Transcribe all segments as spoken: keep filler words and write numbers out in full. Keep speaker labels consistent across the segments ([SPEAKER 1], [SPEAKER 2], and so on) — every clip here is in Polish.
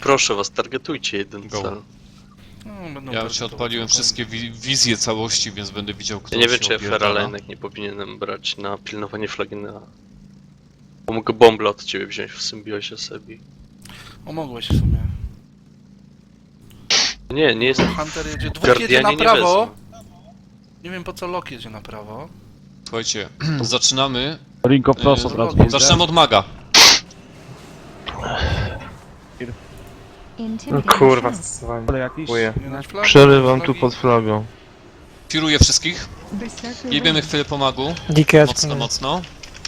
[SPEAKER 1] proszę was, targetujcie jeden
[SPEAKER 2] Go.
[SPEAKER 1] cel.
[SPEAKER 3] No, będą
[SPEAKER 2] Ja
[SPEAKER 3] bardzo
[SPEAKER 2] się odpaliłem
[SPEAKER 3] spokojnie.
[SPEAKER 2] wszystkie wi wizje całości, więc będę widział, kto
[SPEAKER 1] Ja nie wiem,
[SPEAKER 2] się
[SPEAKER 1] czy ja
[SPEAKER 2] opierdala.
[SPEAKER 1] Feralenek nie powinienem brać na pilnowanie flagi na... Bo mogę bombę od ciebie wziąć w symbiozie Sebi.
[SPEAKER 3] O, mogłeś w sumie.
[SPEAKER 1] Nie, nie jest...
[SPEAKER 3] Hunter jedzie, dwóch jedzie
[SPEAKER 1] Guardianie
[SPEAKER 3] na
[SPEAKER 1] nie
[SPEAKER 3] prawo.
[SPEAKER 1] wezmą.
[SPEAKER 3] Nie wiem po co Lok jedzie na prawo.
[SPEAKER 2] Słuchajcie, zaczynamy.
[SPEAKER 4] Ringo
[SPEAKER 2] Yy,
[SPEAKER 4] prosto
[SPEAKER 3] Dobra,
[SPEAKER 4] teraz.
[SPEAKER 2] Zaczynamy od maga.
[SPEAKER 5] No kurwa, stosowanie.
[SPEAKER 4] Ale jakiś?
[SPEAKER 5] Dziękuję.
[SPEAKER 3] Nie dać flagi,
[SPEAKER 5] Przerywam
[SPEAKER 3] flagi.
[SPEAKER 5] tu pod flagą.
[SPEAKER 2] Firuję wszystkich. Jebiemy chwilę po magu. Mocno, mocno.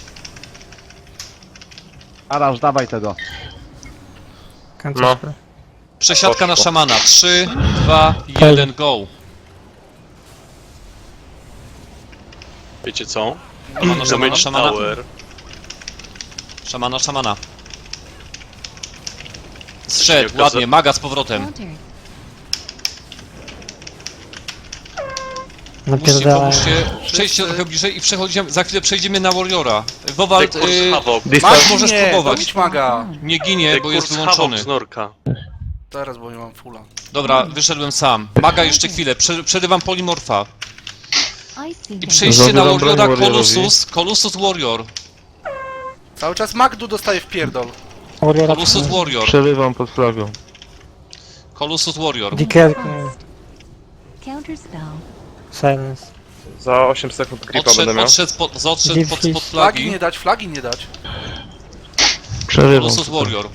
[SPEAKER 4] Araż, dawaj tego.
[SPEAKER 5] No.
[SPEAKER 2] Przesiadka na
[SPEAKER 5] Poszło.
[SPEAKER 2] szamana. trzy, dwa, jeden, go.
[SPEAKER 1] Wiecie co?
[SPEAKER 2] Szamana, szamana,
[SPEAKER 1] Damage
[SPEAKER 2] szamana.
[SPEAKER 1] Tower.
[SPEAKER 2] Szamana, szamana. Zszedł,
[SPEAKER 1] Jaka
[SPEAKER 2] ładnie,
[SPEAKER 1] za-
[SPEAKER 2] maga z powrotem. Musicie, pomóżcie, przejdźcie trochę bliżej i przechodzimy, za chwilę przejdziemy na Warriora. Wowald,
[SPEAKER 1] Dekurs
[SPEAKER 2] yy,
[SPEAKER 1] Havok.
[SPEAKER 2] Mag możesz
[SPEAKER 3] Nie,
[SPEAKER 2] próbować.
[SPEAKER 3] dobić maga.
[SPEAKER 2] Nie ginie, bo jest
[SPEAKER 1] Dekurs Havok
[SPEAKER 2] wyłączony.
[SPEAKER 1] z Norka.
[SPEAKER 3] Teraz, bo nie mam fulla.
[SPEAKER 2] Dobra, wyszedłem sam. Maga jeszcze chwilę, Prze przerywam polimorfa. I przejście na
[SPEAKER 5] Zabieram broń
[SPEAKER 2] Warriora,
[SPEAKER 5] Warriorowi.
[SPEAKER 2] Colossus, Colossus Warrior.
[SPEAKER 3] Cały czas Magdu dostaje w pierdol.
[SPEAKER 2] Colossus Warrior.
[SPEAKER 5] Przerywam pod flagą.
[SPEAKER 2] Colossus Warrior.
[SPEAKER 6] Counterspell.
[SPEAKER 7] Silence.
[SPEAKER 5] Za osiem sekund gripa będę
[SPEAKER 2] Odszedł,
[SPEAKER 5] miał.
[SPEAKER 2] odszedł, pod, odszedł pod, pod
[SPEAKER 3] Flagi
[SPEAKER 2] flagi.
[SPEAKER 3] nie dać, flagi nie dać.
[SPEAKER 5] Przerywam.
[SPEAKER 2] Colossus
[SPEAKER 5] tutaj.
[SPEAKER 2] Warrior.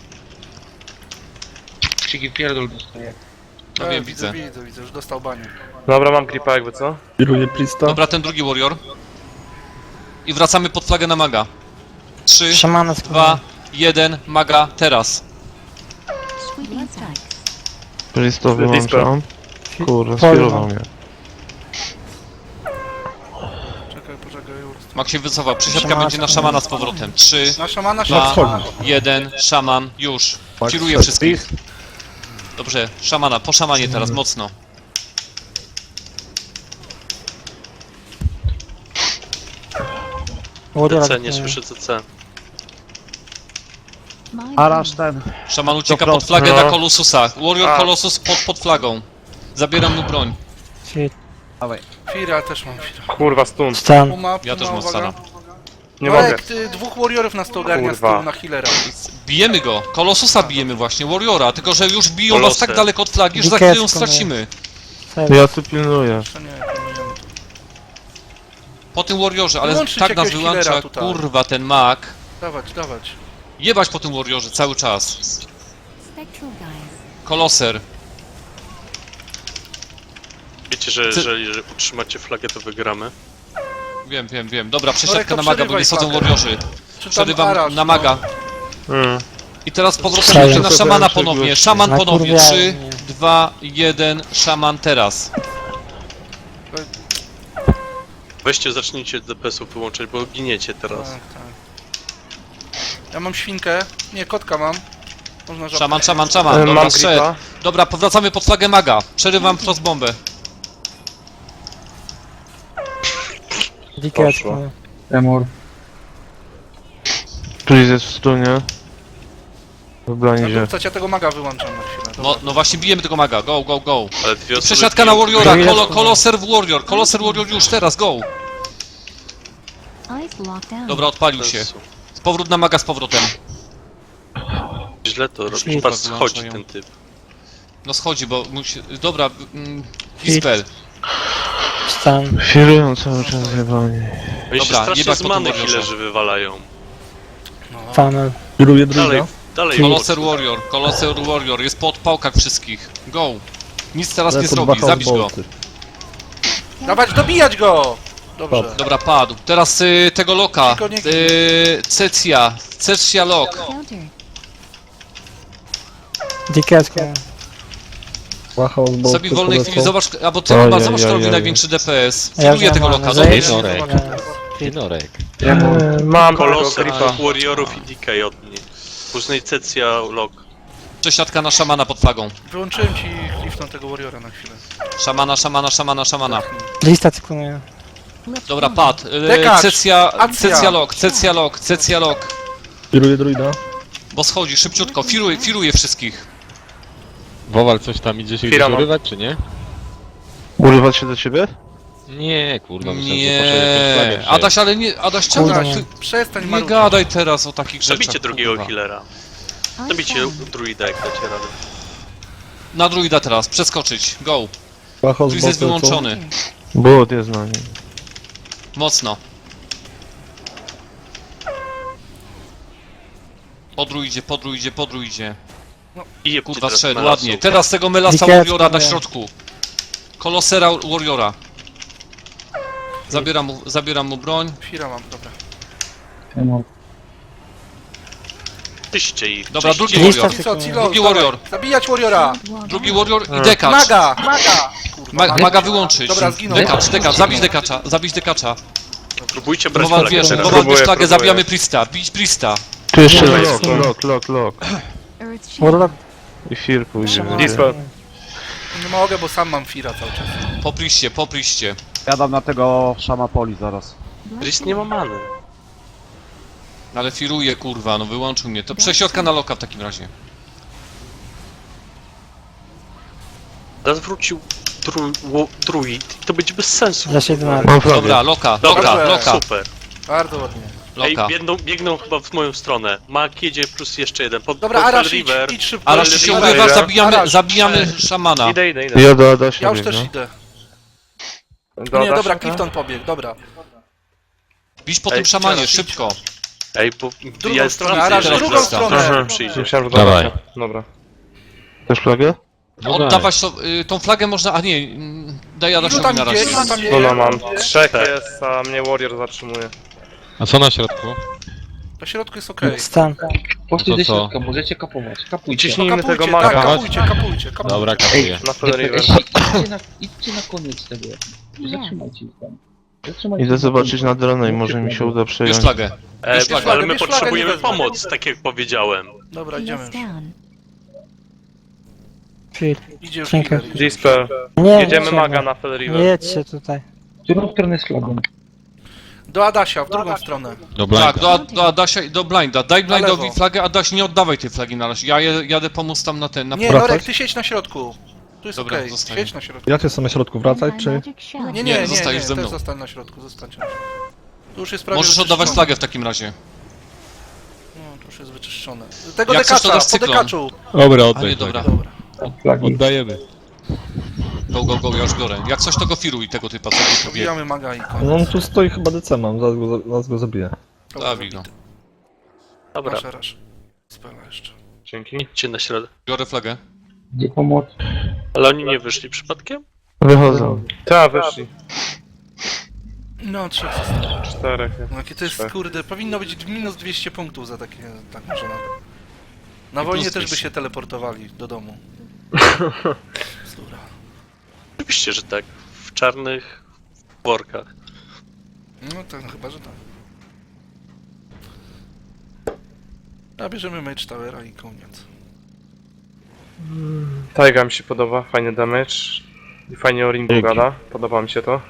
[SPEAKER 8] Krzyki pierdol dostaje.
[SPEAKER 2] No
[SPEAKER 3] E,
[SPEAKER 2] wiem,
[SPEAKER 3] widzę,
[SPEAKER 2] widzę.
[SPEAKER 3] widzę, widzę, już dostał banię.
[SPEAKER 5] Dobra, mam gripa jakby co?
[SPEAKER 4] Kieruję Prista.
[SPEAKER 2] Dobra, ten drugi Warrior. I wracamy pod flagę na maga. trzy,
[SPEAKER 7] Szamana
[SPEAKER 2] dwa, jeden, maga, teraz.
[SPEAKER 6] Sweeping strikes.
[SPEAKER 5] Pristo
[SPEAKER 4] Dispel.
[SPEAKER 5] wyłączam. Kurde, skierował mnie.
[SPEAKER 3] Czekaj, poczekaj, już.
[SPEAKER 2] Mag się wycofa, przesiadka
[SPEAKER 7] Szamana,
[SPEAKER 2] będzie na
[SPEAKER 7] szamana.
[SPEAKER 2] szamana z powrotem. trzy,
[SPEAKER 3] Na szamana,
[SPEAKER 2] dwa,
[SPEAKER 3] szamana.
[SPEAKER 2] jeden, szaman, już. Firuję wszystkich. Dobrze, szamana, po szamanie teraz, mocno.
[SPEAKER 7] Warriora.
[SPEAKER 1] C C, nie słyszę C C.
[SPEAKER 6] Mind
[SPEAKER 4] Araż
[SPEAKER 6] blowing.
[SPEAKER 4] ten.
[SPEAKER 2] Szaman ucieka
[SPEAKER 4] Dobra,
[SPEAKER 2] pod flagę
[SPEAKER 5] no.
[SPEAKER 2] na Colossusa. Warrior
[SPEAKER 5] A.
[SPEAKER 2] Colossus pod, pod flagą. Zabieram mu broń.
[SPEAKER 7] Shit.
[SPEAKER 4] Dawaj.
[SPEAKER 3] Fira, też mam Fira.
[SPEAKER 5] Kurwa, stun.
[SPEAKER 7] Stan.
[SPEAKER 3] Puma,
[SPEAKER 2] Ja też
[SPEAKER 3] Puma,
[SPEAKER 2] mam
[SPEAKER 3] uwaga.
[SPEAKER 2] stana.
[SPEAKER 5] Nie mogę.
[SPEAKER 3] Marek, ty dwóch warriorów nas to ogarnia z
[SPEAKER 5] Kurwa.
[SPEAKER 3] tyłu na healera.
[SPEAKER 2] Bijemy go. Colossusa bijemy właśnie, Warriora. Tylko, że już biją was
[SPEAKER 1] Kolosy.
[SPEAKER 2] tak daleko od flagi, że za
[SPEAKER 7] Dikecko,
[SPEAKER 2] chwilę ją
[SPEAKER 7] no.
[SPEAKER 2] stracimy.
[SPEAKER 7] Silence.
[SPEAKER 5] Ja tu pilnuję.
[SPEAKER 3] Jeszcze nie, pilnujemy.
[SPEAKER 2] Po tym Warriorze, ale
[SPEAKER 3] Wyłączyć
[SPEAKER 2] tak nas
[SPEAKER 3] jakiegoś
[SPEAKER 2] wyłącza,
[SPEAKER 3] healera tutaj.
[SPEAKER 2] kurwa, ten mag.
[SPEAKER 3] Dawać, dawać.
[SPEAKER 2] Jebać po tym Warriorze cały czas.
[SPEAKER 6] Spectral guys.
[SPEAKER 2] Koloser.
[SPEAKER 1] Wiecie, że
[SPEAKER 2] Ty-
[SPEAKER 1] jeżeli że utrzymacie flagę, to wygramy.
[SPEAKER 2] Wiem, wiem, wiem. Dobra,
[SPEAKER 3] Norek,
[SPEAKER 2] przesiadka
[SPEAKER 3] to
[SPEAKER 2] na maga, bo
[SPEAKER 3] przerywaj
[SPEAKER 2] nie schodzą
[SPEAKER 3] flagę.
[SPEAKER 2] Warriorzy.
[SPEAKER 3] Czy tam
[SPEAKER 2] Przerywam
[SPEAKER 3] Arash,
[SPEAKER 2] na
[SPEAKER 3] no.
[SPEAKER 2] maga.
[SPEAKER 5] Mm.
[SPEAKER 2] I teraz z powrotem
[SPEAKER 7] Silence.
[SPEAKER 2] będzie na szamana
[SPEAKER 5] Sobie
[SPEAKER 2] ponownie.
[SPEAKER 5] gości.
[SPEAKER 2] Szaman ponownie.
[SPEAKER 7] Nakurwiają
[SPEAKER 2] trzy,
[SPEAKER 7] mnie.
[SPEAKER 2] dwa, jeden, szaman teraz.
[SPEAKER 1] Weźcie, zacznijcie D P S-ów wyłączać, bo giniecie teraz.
[SPEAKER 3] Tak, tak. Ja mam świnkę. Nie, kotka mam. Można żabkę.
[SPEAKER 2] Szaman, szaman, szaman.
[SPEAKER 5] E,
[SPEAKER 2] Dobra,
[SPEAKER 5] Mam
[SPEAKER 2] szedł.
[SPEAKER 5] gripa.
[SPEAKER 2] Dobra, powracamy pod flagę maga. Przerywam frostbombę.
[SPEAKER 7] Dikecko.
[SPEAKER 8] Remor.
[SPEAKER 5] Pris jest w stunie. W
[SPEAKER 3] Ja
[SPEAKER 5] blindzie.
[SPEAKER 3] tu ja tego maga wyłączam na chwilę.
[SPEAKER 2] No,
[SPEAKER 3] Dobra.
[SPEAKER 2] no właśnie bijemy tego maga. Go, go, go.
[SPEAKER 1] Ale dwie osoby...
[SPEAKER 2] Przesiadka na
[SPEAKER 1] biją-
[SPEAKER 2] Warriora.
[SPEAKER 7] Jest.
[SPEAKER 2] Kolo, koloser w Warrior. Koloser Warrior już teraz, go.
[SPEAKER 6] Ice lockdown.
[SPEAKER 2] Dobra, odpalił się.
[SPEAKER 1] Sensu.
[SPEAKER 2] Z powrót na maga z powrotem.
[SPEAKER 1] Źle to robisz,
[SPEAKER 7] Shit.
[SPEAKER 1] patrz, schodzi
[SPEAKER 2] Wyłączają.
[SPEAKER 1] ten typ.
[SPEAKER 2] No schodzi, bo musi... Dobra, mm, Dispel.
[SPEAKER 7] Stan.
[SPEAKER 5] Firują cały czas zjebani.
[SPEAKER 1] Oni się
[SPEAKER 2] Dobra,
[SPEAKER 1] strasznie
[SPEAKER 2] jebać
[SPEAKER 1] z
[SPEAKER 2] po tym
[SPEAKER 1] many
[SPEAKER 2] Warriorze.
[SPEAKER 1] healerzy wywalają.
[SPEAKER 3] No.
[SPEAKER 7] Funnel.
[SPEAKER 4] Kieruję
[SPEAKER 1] Dalej,
[SPEAKER 4] druga.
[SPEAKER 1] dalej.
[SPEAKER 2] Koloser Warrior. Koloser Warrior. Jest po odpałkach wszystkich. Go. Nic teraz nie
[SPEAKER 4] Lecą
[SPEAKER 2] zrobi.
[SPEAKER 4] dwa
[SPEAKER 2] Zabić go.
[SPEAKER 4] hellbolty.
[SPEAKER 3] Dawać, dobijać go! Dobrze.
[SPEAKER 2] Dobra, padł. Teraz y, tego loka.
[SPEAKER 3] Tylko nie gin.
[SPEAKER 2] Y, Cecja. Cecja lok.
[SPEAKER 6] Counter.
[SPEAKER 7] Dikecko.
[SPEAKER 4] Łachał z boku.
[SPEAKER 2] Sobie w wolnej chwili zobacz, albo ty
[SPEAKER 5] Oj,
[SPEAKER 2] chyba
[SPEAKER 5] oj,
[SPEAKER 2] zobacz,
[SPEAKER 5] oj,
[SPEAKER 2] kto robi
[SPEAKER 5] oj.
[SPEAKER 2] największy D P S.
[SPEAKER 7] Ja
[SPEAKER 2] Filuję tego
[SPEAKER 7] wziąłem
[SPEAKER 2] loka,
[SPEAKER 7] za
[SPEAKER 2] dobierz.
[SPEAKER 7] jedno.
[SPEAKER 9] Norek.
[SPEAKER 7] Eee,
[SPEAKER 9] Tynorek.
[SPEAKER 5] Eee, Mam tego
[SPEAKER 1] Koloser,
[SPEAKER 5] gripa.
[SPEAKER 1] Warriorów i D K od niej. Później Cecja, Lok.
[SPEAKER 2] Przesiadka na szamana pod flagą.
[SPEAKER 3] Wyłączyłem ci cliff na tego warriora na chwilę.
[SPEAKER 2] Szamana, szamana, szamana, szamana.
[SPEAKER 7] Lista cykluje.
[SPEAKER 2] Dobra, pad. Y,
[SPEAKER 3] Dekacz.
[SPEAKER 2] Cecja,
[SPEAKER 3] Akcja.
[SPEAKER 2] Cecja lok, Cecja lok, Cecja lok.
[SPEAKER 4] Kieruję druida.
[SPEAKER 2] Bo schodzi, szybciutko, firuje, firuje wszystkich.
[SPEAKER 9] Wowal coś tam idzie się
[SPEAKER 5] Chwila,
[SPEAKER 9] gdzieś
[SPEAKER 5] mam.
[SPEAKER 9] urywać, czy nie?
[SPEAKER 5] Urywać się do ciebie?
[SPEAKER 9] Nie, kurwa, myślałem, że poszedł jakimś
[SPEAKER 2] Nie,
[SPEAKER 9] flagiem się.
[SPEAKER 2] Adaś, ale nie, Adaś, czemu
[SPEAKER 7] Kurde,
[SPEAKER 2] ty,
[SPEAKER 7] nie.
[SPEAKER 2] ty
[SPEAKER 3] Przestań
[SPEAKER 2] nie
[SPEAKER 3] marudzić.
[SPEAKER 2] gadaj teraz o takich rzeczach,
[SPEAKER 1] Zabijcie drugiego
[SPEAKER 2] kurwa.
[SPEAKER 1] healera.
[SPEAKER 6] I
[SPEAKER 1] Zabijcie
[SPEAKER 6] found.
[SPEAKER 1] druida, jak dacie radę.
[SPEAKER 2] Na druida teraz, przeskoczyć, go.
[SPEAKER 4] Wacho z
[SPEAKER 2] Druid jest
[SPEAKER 4] boku, co?
[SPEAKER 2] wyłączony,
[SPEAKER 5] But jest na nim.
[SPEAKER 2] mocno. Po druidzie, po druidzie, po druidzie.
[SPEAKER 1] I jebcie
[SPEAKER 2] Kurwa,
[SPEAKER 1] teraz
[SPEAKER 2] szedł,
[SPEAKER 1] Melasu.
[SPEAKER 2] ładnie. Teraz tego Melasa
[SPEAKER 7] Wikiet,
[SPEAKER 2] Warriora na
[SPEAKER 7] nie.
[SPEAKER 2] środku. Kolosera Warriora. Zabieram mu, zabieram mu broń.
[SPEAKER 3] Fira mam, dobra.
[SPEAKER 8] Emor.
[SPEAKER 1] Czyście ich,
[SPEAKER 2] Dobra,
[SPEAKER 1] czyście
[SPEAKER 2] drugi
[SPEAKER 1] ich.
[SPEAKER 2] warrior.
[SPEAKER 3] I co, Cilo,
[SPEAKER 2] Drugi
[SPEAKER 3] dawaj.
[SPEAKER 2] warrior.
[SPEAKER 3] Zabijać Warriora!
[SPEAKER 2] Drugi Warrior i dekacz.
[SPEAKER 3] Maga! Maga! Kurwa,
[SPEAKER 2] Ma,
[SPEAKER 3] maga.
[SPEAKER 2] maga wyłączyć.
[SPEAKER 3] Dobra, zginął.
[SPEAKER 2] Dekacz, dekacz, zabić dekacza, zabić dekacza.
[SPEAKER 1] Próbujcie brać
[SPEAKER 2] Wowal
[SPEAKER 1] flagę
[SPEAKER 2] wiesz,
[SPEAKER 1] teraz.
[SPEAKER 2] Wowal bierz
[SPEAKER 5] próbuję,
[SPEAKER 2] flagę,
[SPEAKER 5] próbuję.
[SPEAKER 2] zabijamy Priesta, bić Priesta.
[SPEAKER 5] Tu jeszcze
[SPEAKER 7] Nie,
[SPEAKER 5] lock,
[SPEAKER 7] nie.
[SPEAKER 5] lock, lock, lock.
[SPEAKER 6] Earth shield.
[SPEAKER 7] Warlock.
[SPEAKER 5] I Fear pójdzie.
[SPEAKER 7] Szamana.
[SPEAKER 5] będzie.
[SPEAKER 4] Dispel.
[SPEAKER 3] Nie mogę, bo sam mam Fira cały czas.
[SPEAKER 2] Po Priestie, po Priestie.
[SPEAKER 4] Jadam na tego szama poli zaraz.
[SPEAKER 1] Priest nie ma many.
[SPEAKER 2] Ale firuje, kurwa, no wyłączył mnie. To prześrodka na loka w takim razie.
[SPEAKER 1] Teraz wrócił dru, wo, druid i to będzie bez sensu.
[SPEAKER 7] Za siedem lat.
[SPEAKER 5] Mam flagę.
[SPEAKER 2] Dobra, loka,
[SPEAKER 1] Dobra,
[SPEAKER 2] loka, loka,
[SPEAKER 1] super.
[SPEAKER 3] Bardzo ładnie.
[SPEAKER 1] Ej,
[SPEAKER 2] loka.
[SPEAKER 1] biegną, biegną chyba w moją stronę. Mak jedzie plus jeszcze jeden. Pod,
[SPEAKER 3] Dobra,
[SPEAKER 1] pod
[SPEAKER 3] Arash,
[SPEAKER 1] Fell
[SPEAKER 3] idź,
[SPEAKER 1] River.
[SPEAKER 3] idź szybko.
[SPEAKER 2] Ale
[SPEAKER 1] Ale
[SPEAKER 2] się
[SPEAKER 1] River.
[SPEAKER 2] urywa, zabijamy,
[SPEAKER 3] Arash,
[SPEAKER 2] zabijamy szamana.
[SPEAKER 5] Idę, idę, idę. Ja do Adasia
[SPEAKER 3] Ja już też
[SPEAKER 5] biegnę.
[SPEAKER 3] idę.
[SPEAKER 5] Do
[SPEAKER 3] Nie,
[SPEAKER 5] Adasia,
[SPEAKER 3] dobra,
[SPEAKER 5] tak?
[SPEAKER 3] Clifton pobiegł, dobra.
[SPEAKER 2] Bić po
[SPEAKER 1] Ej,
[SPEAKER 2] tym szamanie,
[SPEAKER 3] teraz idź.
[SPEAKER 2] szybko.
[SPEAKER 1] Ej, bo
[SPEAKER 3] Drugą
[SPEAKER 1] ja
[SPEAKER 3] stronę,
[SPEAKER 1] jestem
[SPEAKER 3] Arash,
[SPEAKER 2] teraz
[SPEAKER 3] drugą
[SPEAKER 2] wraca.
[SPEAKER 3] stronę.
[SPEAKER 5] Aha,
[SPEAKER 1] Przyjdzie.
[SPEAKER 5] myślałem, że do
[SPEAKER 9] Dawaj.
[SPEAKER 5] Adasia. Dobra. Też flagę?
[SPEAKER 9] No
[SPEAKER 2] Oddawać to, y, tą flagę można, a nie, mm, daj
[SPEAKER 3] Ilu
[SPEAKER 2] Adasiowi
[SPEAKER 3] tam
[SPEAKER 2] na
[SPEAKER 3] idzie,
[SPEAKER 2] razie.
[SPEAKER 3] ilu tam
[SPEAKER 5] No, no
[SPEAKER 3] idzie?
[SPEAKER 5] mam. Trzech
[SPEAKER 1] Tak.
[SPEAKER 5] jest, a mnie Warrior zatrzymuje.
[SPEAKER 9] A co na środku?
[SPEAKER 3] Na środku jest okej.
[SPEAKER 7] Stan.
[SPEAKER 8] Poszli
[SPEAKER 9] No
[SPEAKER 8] do
[SPEAKER 9] to co?
[SPEAKER 8] środka, możecie kapować. Kapujcie.
[SPEAKER 5] Ciśnijmy tego
[SPEAKER 3] Kapujcie,
[SPEAKER 5] maga.
[SPEAKER 3] tak,
[SPEAKER 9] Dawać?
[SPEAKER 3] kapujcie, kapujcie, kapujcie.
[SPEAKER 9] Dobra, kapuję.
[SPEAKER 5] Na Fell River.
[SPEAKER 8] Idźcie na, idźcie na koniec tego. Zatrzymajcie ich tam. Zatrzymajcie
[SPEAKER 5] Idę
[SPEAKER 8] ich
[SPEAKER 5] zobaczyć na
[SPEAKER 8] koniec.
[SPEAKER 5] dronę i może mi się uda
[SPEAKER 2] Bierz
[SPEAKER 5] przejąć.
[SPEAKER 2] flagę.
[SPEAKER 1] E,
[SPEAKER 2] Bierz flagę,
[SPEAKER 1] ale my
[SPEAKER 3] bierz flagę,
[SPEAKER 1] potrzebujemy
[SPEAKER 3] nie wezmę.
[SPEAKER 1] pomoc, tak jak powiedziałem.
[SPEAKER 3] Dobra,
[SPEAKER 6] He
[SPEAKER 3] idziemy
[SPEAKER 6] is
[SPEAKER 3] już.
[SPEAKER 6] down.
[SPEAKER 7] Fill.
[SPEAKER 3] Idzie już
[SPEAKER 7] Dziękuję.
[SPEAKER 3] healer, idzie.
[SPEAKER 5] Dispel.
[SPEAKER 7] Nie,
[SPEAKER 5] Jedziemy
[SPEAKER 7] nie,
[SPEAKER 5] maga
[SPEAKER 7] nie.
[SPEAKER 5] na Fell
[SPEAKER 7] Nie
[SPEAKER 5] River.
[SPEAKER 7] jedźcie tutaj.
[SPEAKER 8] W którą stronę z flagą?
[SPEAKER 3] Do Adasia, w drugą stronę.
[SPEAKER 9] Do blinda.
[SPEAKER 2] Tak, do, do Adasia i do Blinda. Daj
[SPEAKER 3] Na
[SPEAKER 2] Blindowi
[SPEAKER 3] lewo.
[SPEAKER 2] flagę, Adaś nie oddawaj tej flagi na razie. Ja je- jadę pomóc tam na ten, na
[SPEAKER 3] Nie,
[SPEAKER 4] Wracać?
[SPEAKER 3] Norek, ty siedź na środku. Tu jest
[SPEAKER 2] Dobra,
[SPEAKER 3] okej,
[SPEAKER 2] zostaję.
[SPEAKER 3] siedź na środku.
[SPEAKER 4] Ja cię są na środku wracać,
[SPEAKER 6] My
[SPEAKER 4] czy?
[SPEAKER 6] magic shell.
[SPEAKER 3] Nie,
[SPEAKER 2] Nie,
[SPEAKER 3] nie, nie, nie,
[SPEAKER 2] zostajesz ze
[SPEAKER 3] też
[SPEAKER 2] mną.
[SPEAKER 3] zostań na środku, zostańcie na środku. Tu już jest prawie
[SPEAKER 2] Możesz oddawać
[SPEAKER 3] wyczyszczone.
[SPEAKER 2] flagę w takim razie.
[SPEAKER 3] No, tu już jest wyczyszczone. Tego
[SPEAKER 2] Jak chcesz, to
[SPEAKER 3] dekacza,
[SPEAKER 2] dasz
[SPEAKER 3] po
[SPEAKER 2] cyklon.
[SPEAKER 3] dekaczu.
[SPEAKER 9] Dobra,
[SPEAKER 2] A nie,
[SPEAKER 9] oddaj
[SPEAKER 2] dobra.
[SPEAKER 9] flagę.
[SPEAKER 3] Dobra.
[SPEAKER 8] Flagi.
[SPEAKER 9] Oddajemy.
[SPEAKER 2] Go, go, go, ja już biorę. Jak coś, to go firuj tego typa, co tu pobiegł.
[SPEAKER 3] Pobijamy maga i
[SPEAKER 4] No
[SPEAKER 3] koniec.
[SPEAKER 4] on tu stoi chyba D C mam, zaraz go, zaraz go zabiję.
[SPEAKER 3] Dobra,
[SPEAKER 2] Zabij go.
[SPEAKER 3] zabity.
[SPEAKER 1] Dobra,
[SPEAKER 3] Rasz, rasz. Spela jeszcze.
[SPEAKER 5] Dzięki.
[SPEAKER 1] idźcie na środek.
[SPEAKER 2] Biorę flagę.
[SPEAKER 8] Gdzie pomoc?
[SPEAKER 1] Ale oni nie wyszli przypadkiem?
[SPEAKER 5] Wychodzą. Tak, wyszli.
[SPEAKER 3] No, trzech zostało.
[SPEAKER 5] Czterech.
[SPEAKER 3] No, jakie to jest,
[SPEAKER 5] Trzech.
[SPEAKER 3] kurde, powinno być minus dwieście punktów za takie, tak może na... Na
[SPEAKER 2] I
[SPEAKER 3] wojnie
[SPEAKER 2] plus
[SPEAKER 3] też by
[SPEAKER 2] dwieście.
[SPEAKER 3] się teleportowali do domu. Bzdura.
[SPEAKER 1] Oczywiście, że tak. W czarnych workach.
[SPEAKER 3] No tak, no chyba, że tak. A bierzemy Mage Towera i koniec.
[SPEAKER 5] Taiga mi się podoba, fajny damage. I fajnie o ringu
[SPEAKER 9] Dzięki.
[SPEAKER 5] gada, podoba mi się to.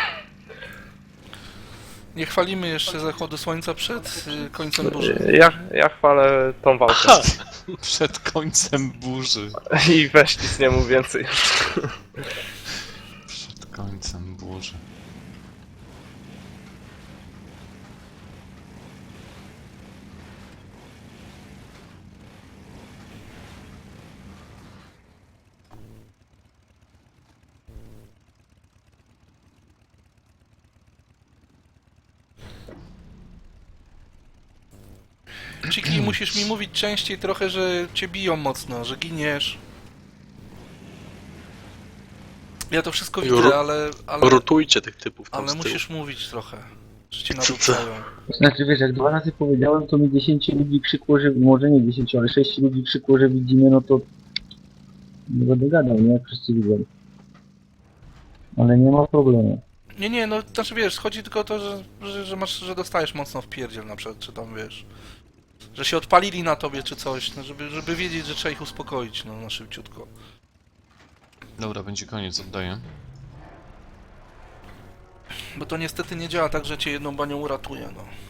[SPEAKER 3] Nie chwalimy jeszcze zachodu słońca przed y, końcem burzy.
[SPEAKER 5] Ja, ja chwalę tą walkę.
[SPEAKER 1] Ha!
[SPEAKER 2] Przed końcem burzy.
[SPEAKER 5] I weź nic nie mów więcej.
[SPEAKER 2] Przed końcem burzy.
[SPEAKER 3] Chiki, musisz mi mówić częściej trochę, że cię biją mocno, że giniesz. Ja to wszystko
[SPEAKER 1] Ru-
[SPEAKER 3] widzę, ale... ale,
[SPEAKER 1] Rotujcie tych typów tam
[SPEAKER 3] ale
[SPEAKER 1] z tyłu.
[SPEAKER 3] musisz mówić trochę, że cię
[SPEAKER 1] Co- co?
[SPEAKER 3] narzucają.
[SPEAKER 8] Znaczy wiesz, jak dwa razy powiedziałem, to mi dziesięć ludzi krzykło, że... Może nie dziesięć, ale sześć ludzi krzykło, że widzimy, no to... Nie będę gadał, nie? Jak wszyscy widzą. Ale nie ma problemu.
[SPEAKER 3] Nie, nie, no znaczy wiesz, chodzi tylko o to, że, że, że masz, że dostajesz mocno w pierdziel na przykład, czy tam wiesz... Że się odpalili na tobie czy coś, no żeby, żeby wiedzieć, że trzeba ich uspokoić, no na szybciutko.
[SPEAKER 2] Dobra, będzie koniec, oddaję.
[SPEAKER 3] Bo to niestety nie działa tak, że cię jedną banią uratuje, no.